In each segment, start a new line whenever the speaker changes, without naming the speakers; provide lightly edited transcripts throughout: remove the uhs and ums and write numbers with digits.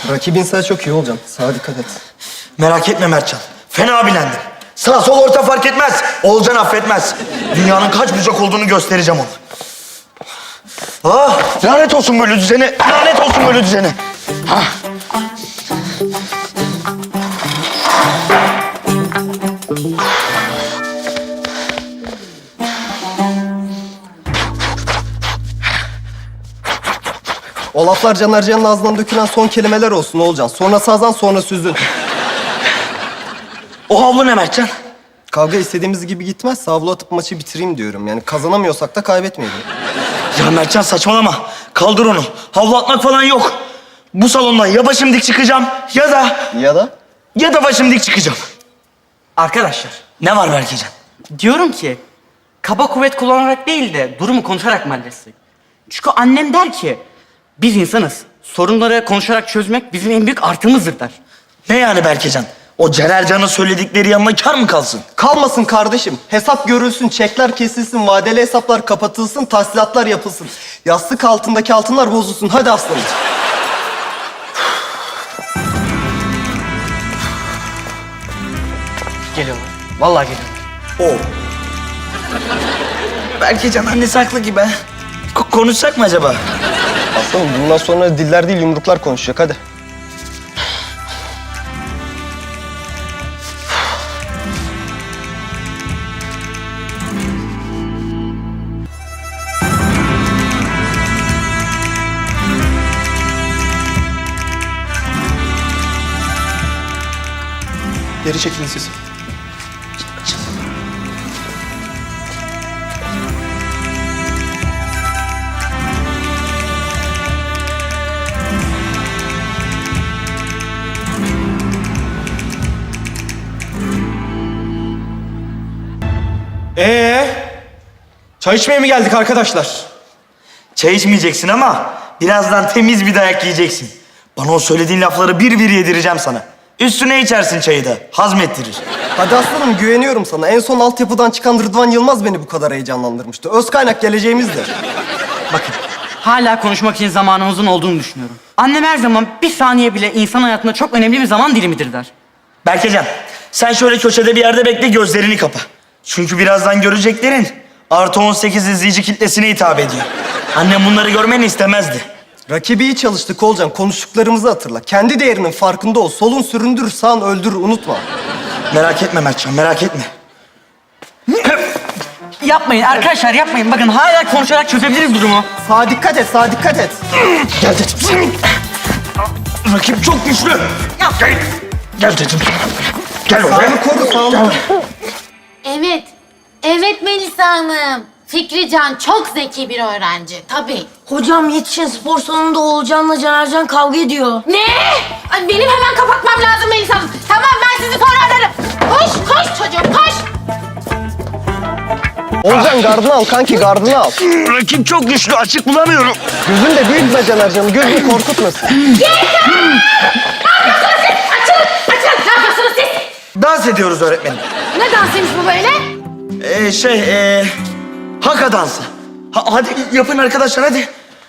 Rakibin sana çok iyi olacaksın. Sağa dikkat et.
Merak etme Mertcan. Fena bilendim. Sağ sol orta fark etmez. Oğulcan affetmez. Dünyanın kaç bucak olduğunu göstereceğim ona. Ah, lanet olsun böyle düzene. Lanet olsun böyle düzene. Ah.
O laflar Caner Can'ın ağzından dökülen son kelimeler olsun Oğulcan. Sonra sazan sonra süzün.
O havlu ne Mertcan?
Kavga istediğimiz gibi gitmezse havlu atıp maçı bitireyim diyorum. Yani kazanamıyorsak da kaybetmeyelim.
Ya Mertcan saçmalama. Kaldır onu. Havlu atmak falan yok. Bu salondan ya başım dik çıkacağım ya da başım dik çıkacağım.
Arkadaşlar,
Ne var Berkecan?
diyorum ki kaba kuvvet kullanarak değil de durumu konuşarak mı halletsek? Çünkü annem der ki biz insanız. Sorunları konuşarak çözmek bizim en büyük artımızdır der.
Ne yani Berkecan? O Cenercan'ın söyledikleri yanına kar mı kalsın?
Kalmasın kardeşim. Hesap görülsün, çekler kesilsin, vadeli hesaplar kapatılsın, tahsilatlar yapılsın. Yastık altındaki altınlar bozulsun. Hadi aslanım.
Geliyorlar. Vallahi geliyorlar.
O. Berkecan annesi haklı gibi. Konuşsak mı acaba?
Aslanım bundan sonra diller değil yumruklar konuşacak. Hadi. Geri çekilin siz.
Çay içmeye mi geldik arkadaşlar?
Çay içmeyeceksin ama birazdan temiz bir dayak yiyeceksin. Bana o söylediğin lafları bir bir yedireceğim sana. Üstüne içersin çayı da. Hazmettirir.
Hadi aslanım güveniyorum sana. En son altyapıdan çıkan Rıdvan Yılmaz beni bu kadar heyecanlandırmıştı. Öz kaynak geleceğimizdir.
Bakın, hala konuşmak için zamanımızın olduğunu düşünüyorum. Annem her zaman bir saniye bile insan hayatında çok önemli bir zaman dilimidir der.
Berkecan, sen şöyle köşede bir yerde bekle, gözlerini kapa. Çünkü birazdan göreceklerin artı 18 izleyici kitlesine hitap ediyor. Annem bunları görmeni istemezdi.
Rakibi iyi çalıştık Olcan. Konuştuklarımızı hatırla. Kendi değerinin farkında ol. Solun süründür, sağın öldür. Unutma.
Merak etme Mertcan, merak etme.
Yapmayın arkadaşlar, yapmayın. Bakın hala konuşarak çözebiliriz durumu.
Sağa dikkat et, sağa dikkat et.
Gel dedim. Rakip çok güçlü. Gel. Gel dedim. Gel oraya.
Sağını koru, sağını.
Evet. Evet Melisa Hanım. Fikrican çok zeki bir öğrenci. Tabii.
Hocam yetişin, spor salonunda Oğulcan'la Canercan kavga ediyor.
Ne? Ay, benim hemen kapatmam lazım Melisa Hanım. Tamam ben sizi sonra ararım. Koş çocuğum koş.
Olcan gardını al kanki, gardını al.
Rakip çok güçlü, açık bulamıyorum.
Gözün de büyütme Canercan'ı. Gözünü korkutmasın.
Açılın. Ne yapıyorsunuz siz?
Dans ediyoruz öğretmenim.
Ne dansıymış bu böyle?
Haka dansı. Hadi yapın arkadaşlar, hadi.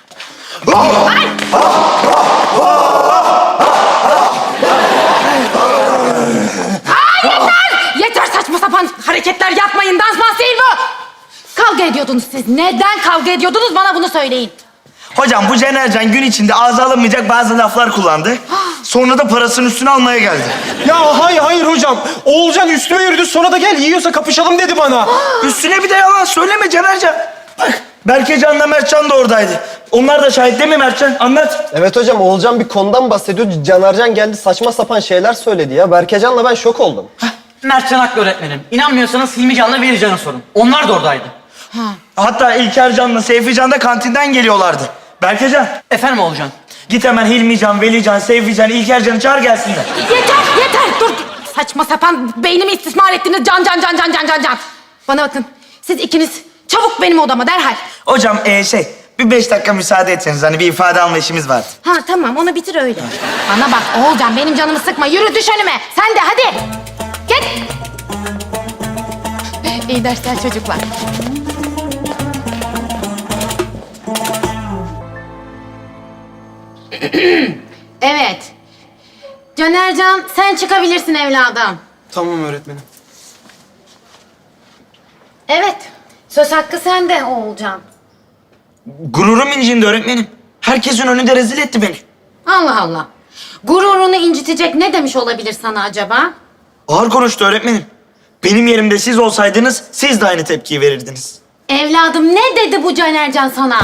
Yeter saçma sapan hareketler yapmayın. Dans değil bu. Kavga ediyordunuz siz. Neden kavga ediyordunuz bana bunu söyleyin.
Hocam bu Cenercan gün içinde ağza alınmayacak bazı laflar kullandı. Sonra da parasının üstüne almaya geldi.
Ya hayır hocam. Oğulcan üstüme yürüdü, sonra da gel yiyorsa kapışalım dedi bana.
Üstüne bir de yalan söyleme Cenercan. Bak Berkecan'la Mertcan da oradaydı. Onlar da şahit değil mi Mertcan? Anlat.
Evet hocam, Oğulcan bir konudan bahsediyor. Canercan geldi saçma sapan şeyler söyledi ya. Berkecan'la ben şok oldum.
Mertcan haklı öğretmenim. İnanmıyorsanız Hilmi Can'la Veli Can'a sorun. Onlar da oradaydı.
Hatta İlker Can'la Seyfi Can da kantinden geliyorlardı. Berkecan,
Efendim Oğulcan?
git hemen Hilmi Can, Veli Can, Seyfi Can, İlker Can'ı çağır gelsinler.
Yeter. Dur. Saçma sapan beynimi istismar ettiniz. Can. Bana bakın. Siz ikiniz çabuk benim odama derhal.
Hocam bir 5 dakika müsaade etseniz, hani bir ifade alma işimiz vardı.
Ha tamam onu bitir öyle. Bana bak Oğulcan benim canımı sıkma. Yürü düş önüme. Sen de hadi. Git. İyi dersler çocuklar. Evet. Canercan sen çıkabilirsin evladım.
Tamam öğretmenim.
Evet. Söz hakkı sende Oğulcan.
Gururum incindi öğretmenim. Herkesin önünde rezil etti beni.
Allah Allah. Gururunu incitecek ne demiş olabilir sana acaba?
Ağır konuştu öğretmenim. Benim yerimde siz olsaydınız siz de aynı tepkiyi verirdiniz.
Evladım ne dedi bu Canercan sana?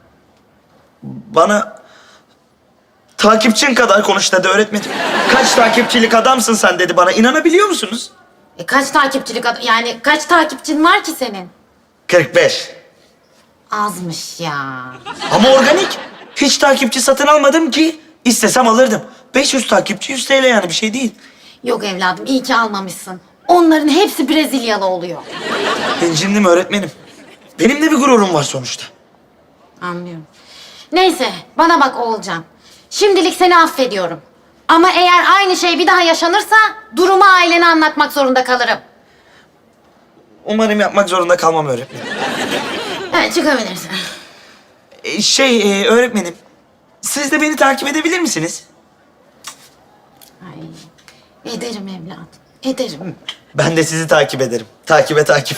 Bana takipçin kadar konuş dedi öğretmenim. Kaç takipçilik adamsın sen dedi bana. İnanabiliyor musunuz?
Kaç takipçilik yani kaç takipçin var ki senin?
45.
Azmış ya.
Ama organik. Hiç takipçi satın almadım ki. İstesem alırdım. 500 takipçi 100 TL yani bir şey değil.
Yok evladım iyi ki almamışsın. Onların hepsi Brezilyalı oluyor.
İncindim öğretmenim. Benim de bir gururum var sonuçta.
Anlıyorum. Neyse bana bak Oğulcan. Şimdilik seni affediyorum. Ama eğer aynı şey bir daha yaşanırsa durumu ailene anlatmak zorunda kalırım.
Umarım yapmak zorunda kalmam öğretmenim.
Evet çıkabilirsin.
Öğretmenim. Siz de beni takip edebilir misiniz?
Ay, ederim evladım. Ederim.
Ben de sizi takip ederim. Takibe takip.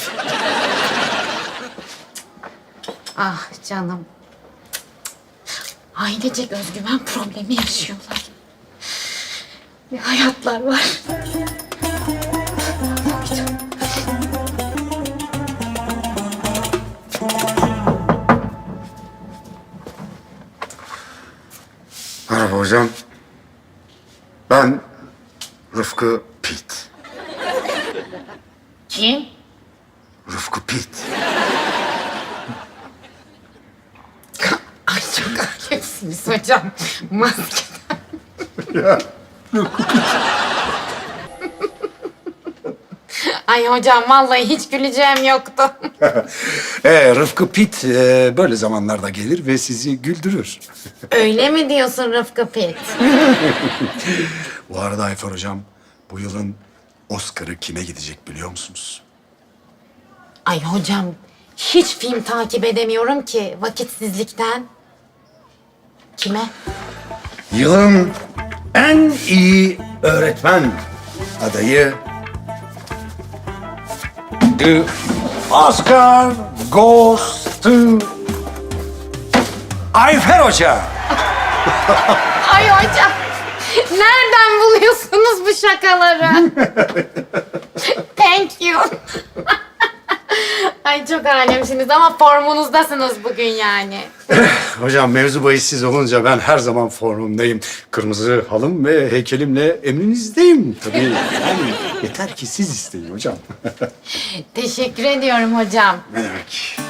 Ah canım. Ailecek özgüven problemi yaşıyorlar. Bir hayatlar var.
Merhaba hocam. Ben Rıfkı Pit.
Kim?
Rıfkı Pit.
Ay çok alemsiniz hocam. Maskeden.
Ya.
Ay hocam vallahi hiç güleceğim yoktu.
Rıfkı Pit böyle zamanlarda gelir ve sizi güldürür.
Öyle mi diyorsun Rıfkı Pit?
Bu arada Ayfer hocam, bu yılın Oscar'ı kime gidecek biliyor musunuz?
Ay hocam hiç film takip edemiyorum ki vakitsizlikten. Kime?
Yılın en iyi öğretmen adayı The Oscar goes to Ayfer Hoca.
Ay hocam nereden buluyorsunuz bu şakaları? Thank you. Ay çok alemsiniz ama formunuzdasınız bugün yani.
Hocam mevzu bahis siz olunca ben her zaman formumdayım. Kırmızı halım ve heykelimle emrinizdeyim tabii. Yani yeter ki siz isteyin hocam.
Teşekkür ediyorum hocam.
Ne demek?